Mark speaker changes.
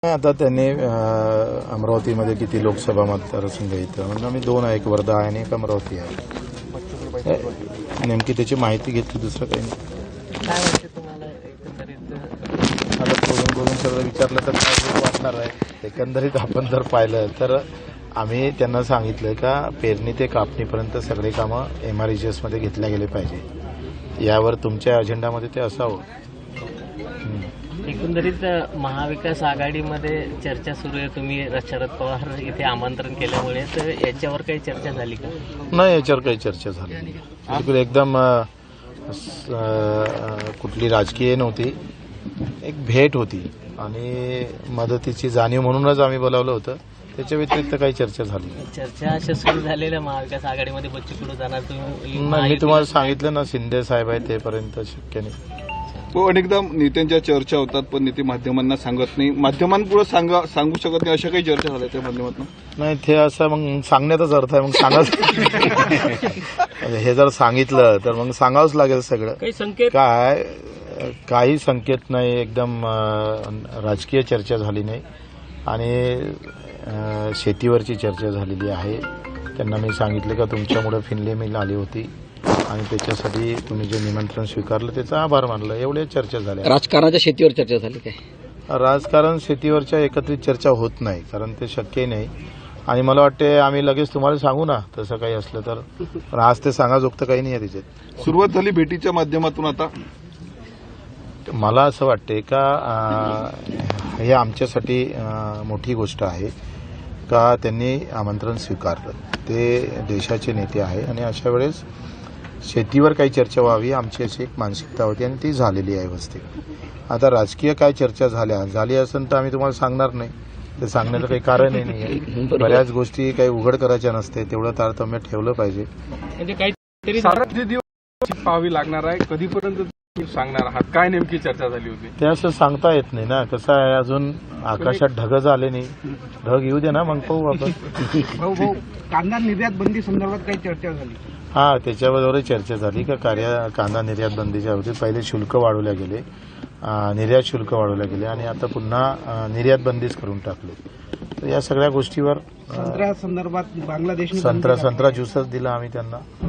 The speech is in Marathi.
Speaker 1: आता त्यांनी अमरावतीमध्ये किती लोकसभा मतदारसंघ येतं म्हणजे आम्ही दोन आहे, एक वर्धा आहे आणि एक अमरावती आहे. नेमकी त्याची माहिती घेतली, दुसरं काही नाही.
Speaker 2: काय वाटते तुम्हाला एकंदरीत?
Speaker 1: आता बोलून सगळं विचारलं तर काय वाटणार आहे. एकंदरीत आपण जर पाहिलं तर आम्ही त्यांना सांगितलं का पेरणी ते कापणीपर्यंत सगळे कामं MRHS मध्ये घेतल्या गेले पाहिजे. यावर तुमच्या अजेंडामध्ये ते असावं.
Speaker 2: एकंदरीत महाविकास आघाडीमध्ये चर्चा सुरू आहे. तुम्ही शरद पवार इथे आमंत्रण केल्यामुळे तर याच्यावर काही चर्चा झाली का?
Speaker 1: नाही, याच्यावर काही चर्चा झाली नाही. बिलकुल एकदम कुठली राजकीय नव्हती, एक भेट होती आणि मदतीची जाणीव म्हणूनच आम्ही बोलावलं होतं. त्याच्या व्यतिरिक्त काही चर्चा झाली नाही.
Speaker 2: चर्चा अशा सुरू झालेल्या महाविकास आघाडीमध्ये बच्चू कडू जाणार, तुम्ही
Speaker 1: मी तुम्हाला सांगितलं ना, शिंदे साहेब आहे तेपर्यंत शक्य नाही.
Speaker 3: तो अनेकदा नेत्यांच्या चर्चा होतात पण नेते माध्यमांना सांगत नाही, माध्यमांपुढे सांगू शकत नाही, अशा काही चर्चा झाल्या त्या माध्यमातून?
Speaker 1: नाही, ते असं मग सांगण्याचाच अर्थ आहे. मग सांगाच हे जर सांगितलं तर मग सांगावंच लागेल सगळं.
Speaker 2: काही संकेत
Speaker 1: काय काही संकेत नाही, एकदम राजकीय चर्चा झाली नाही आणि शेतीवरची चर्चा झालेली आहे. त्यांना मी सांगितलं का तुमच्यामुळे फिनले मिल आली होती आणि त्याच्यासाठी तुम्ही जे निमंत्रण स्वीकारलं त्याचा आभार मानलं. एवढ्या चर्चा झाल्या.
Speaker 2: राजकारणाच्या शेतीवर चर्चा झाली काय?
Speaker 1: राजकारण शेतीवरच्या एकत्रित चर्चा होत नाही, कारण ते शक्यही नाही. आणि मला वाटते आम्ही लगेच तुम्हाला सांगू ना तसं काही असलं तर, पण आज ते सांगाजोगतं काही नाही आहे त्याच्यात.
Speaker 3: सुरुवात झाली भेटीच्या माध्यमातून. आता
Speaker 1: मला असं वाटते का हे आमच्यासाठी मोठी गोष्ट आहे का त्यांनी आमंत्रण स्वीकारलं. ते देशाचे नेते आहे आणि अशा वेळेस शेतीवर काही चर्चा व्हावी आमची अशी एक मानसिकता होती आणि ती झालेली आहे व्यवस्थित. आता राजकीय काय चर्चा झाली असेल तर आम्ही तुम्हाला सांगणार नाही. ते सांगण्याचं काही कारणही नाही आहे. बऱ्याच गोष्टी काही उघड करायच्या नसते, तेवढं तारतम्य ठेवलं पाहिजे.
Speaker 2: म्हणजे काहीतरी
Speaker 4: किती दिवस पाहावी लागणार आहे, कधीपर्यंत सांगणार आहात, काय नेमकी चर्चा झाली होती?
Speaker 1: ते असं सांगता येत नाही ना. कसं आहे, अजून आकाशात ढगच आले नाही. ढग येऊ दे ना, मग पाहू आपण.
Speaker 5: भाऊ कांदा निर्यात बंदी संदर्भात काही चर्चा झाली?
Speaker 1: हा, त्याच्याबरोबरही चर्चा झाली का कांदा निर्यात बंदीच्या होती. पहिले शुल्क वाढवल्या गेले, निर्यात शुल्क वाढवल्या गेले आणि आता पुन्हा निर्यात बंदीच करून टाकले. तर या सगळ्या गोष्टीवर
Speaker 5: संत्र्या संदर्भात बांगलादेश
Speaker 1: संत्रा ज्यूसच दिला आम्ही त्यांना.